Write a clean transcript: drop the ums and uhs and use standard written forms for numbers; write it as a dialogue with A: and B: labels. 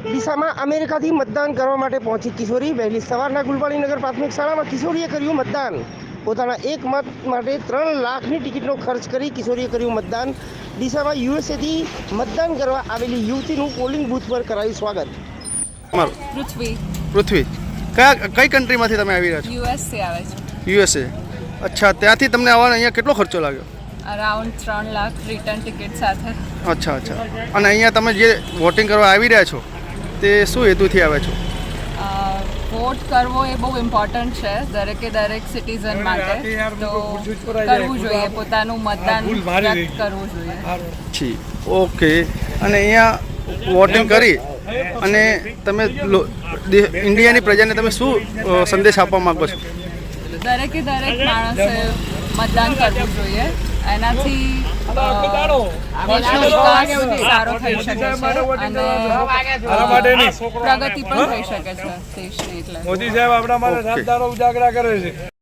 A: દિશામાં અમેરિકાથી મતદાન કરવા માટે પહોંચી કિશોરી વહેલી સવારના ગુલવાડીનગર પ્રાથમિક શાળામાં કિશોરીએ કર્યું મતદાન. પોતાના એક મત માટે 3 લાખની ટિકિટનો ખર્ચ કરી કિશોરીએ કર્યું મતદાન. દિશામાં યુએસએથી મતદાન કરવા આવેલી યુવતીનું પોલિંગ બૂથ પર કરાયું સ્વાગત.
B: પૃથ્વી કઈ કન્ટ્રીમાંથી તમે આવી રહ્યા છો?
C: યુએસથી આવે છે.
B: યુએસએ. અચ્છા, ત્યાંથી તમને આવવાનો અહીંયા કેટલો ખર્ચો લાગ્યો?
C: અરાઉન્ડ 3 લાખ રિટર્ન ટિકિટ સાથે.
B: અચ્છા. અને અહીંયા તમે જે વોટિંગ કરવા આવી રહ્યા છો તે શું હેતુથી આવ્યા છો?
C: વોટ કરવો એ બહુ ઇમ્પોર્ટન્ટ છે દરેક સિટીઝન માટે. તો કરવું જોઈએ, પોતાનું મતદાન વ્યક્ત કરવું જોઈએ.
B: જી, ઓકે. અને અહીંયા વોટિંગ કરી અને તમે ઇન્ડિયાની પ્રજાને તમે શું સંદેશ આપવા માંગો છો?
C: દરેક માણસે મતદાન કરવું જોઈએ. એનાથી દેશનો વિકાસ સારો થઈ શકે છે અને પ્રગતિ પણ થઈ શકે છે દેશની. એટલે
D: મોદી સાહેબ આપણા માટે ઉજાગરા કરે છે.